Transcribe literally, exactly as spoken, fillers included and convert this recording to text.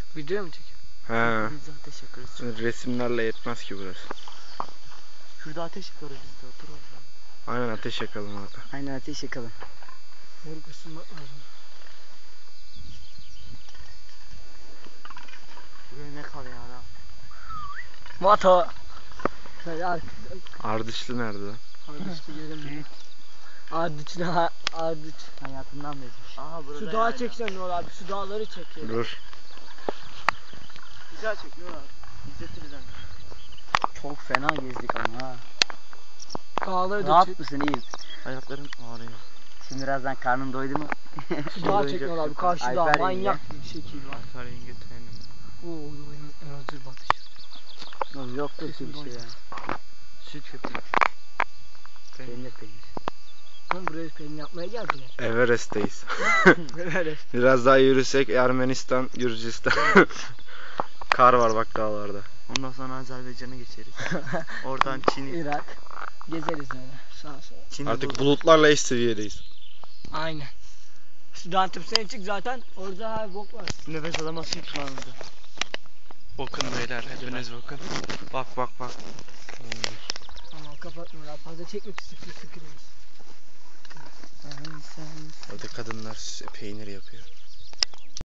Video mu çekiyor? He. Biz de ateş yakarız. Resimlerle yetmez ki burası. Şurada ateş yakarız biz de, otur orada. Aynen ateş yakalım orada. Aynen ateş yakalım. Moruk ısınmak lazım. Buraya ne kalıyor ya? Moto. Şöyle ar Ardıçlı nerede lan? Ardıçlı göremiyorum. Ardıçlı ha Ardıç. Hayatından bezmiş. Aha burada Şu dağı yani. çeksen Nur abi, şu dağları çek ya. Dur. Güzel çek Nur abi. İzletir bize. Çok fena gezdik ama ha. Dağları da Rahat çek. mısın, iyi? Ayaklarım ağrıyor. Şimdi birazdan karnın doydu mu? Şu dağı çek Nur abi, karşı dağ Alper manyak bir şekil var. Alper yenge tenim. Oo, benim en hazır batış. Yok yok bir şey ya. Süt köpüğü. Peynir peynir. Oğlum buraya peynir yapmaya geldiler. Everest'teyiz. Evet. Biraz daha yürüsek Ermenistan, Gürcistan. Kar var bak dağlarda. Ondan sonra Azerbaycan'a geçeriz. Oradan Çin'i. Irak. Gezeriz öyle sağa sola. Çin'i Artık bul- bulutlarla eş seviyedeyiz. Aynen. Şu dağın tepesine çık zaten, orada her bok var. Nefes alamazsın ki lan orada. Bakın beyler, hepiniz bakın. Bak bak bak. Tamam kapat Nur abi, fazla çekme ki sıkı sıkı demiş. Orada kadınlar peynir yapıyor.